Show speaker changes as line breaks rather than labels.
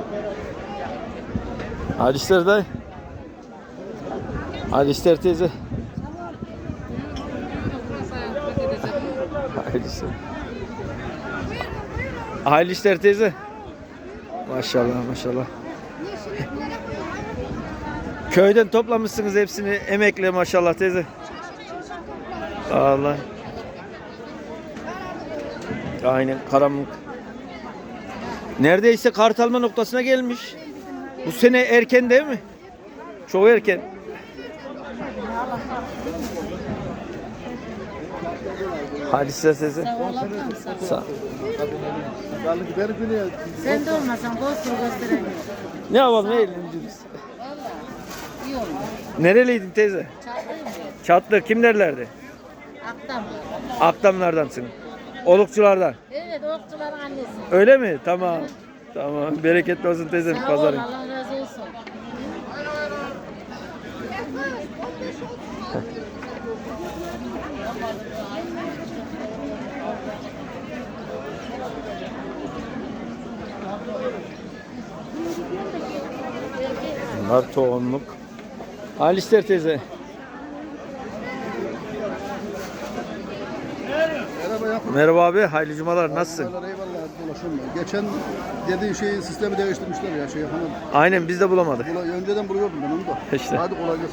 Hayırlı işler dayı. Hayırlı işler teyze. Hayırlı işler. Hayırlı işler teyze. Maşallah maşallah. Köyden toplamışsınız hepsini emekle maşallah teyze. Allah. Aynen karanlık. Neredeyse kart alma noktasına gelmiş. Bu sene erken değil mi? Çok erken. Hadi size teyze. Sağ ol.
Sen de olmasan boş gösteremiyorum.
Ne yapalım eğleneceğiz.
İyi olmaz.
Nereliydin teyze?
Çağırayım mı?
Çatlı kim derlerdi?
Aktam.
Akdamlardansın. Olukçulardan.
Evet, okçuların annesi.
Öyle mi? Tamam. Tamam. Bereketli olsun teyzem
Sağ ol,
pazarın.
Allah razı olsun.
Bunlar tohumluk. Hayırlı işler teyze.
Merhaba Yakup.
Merhaba abi. Hayırlı cumalar. Nasılsın?
Eyvallah dolaşıyorum. Geçen dediğin şeyi sistemi değiştirmişler ya şey hanım.
Aynen biz de bulamadık.
Önceden buluyordum ben onu da.
İşte.
Hadi kolay gelsin.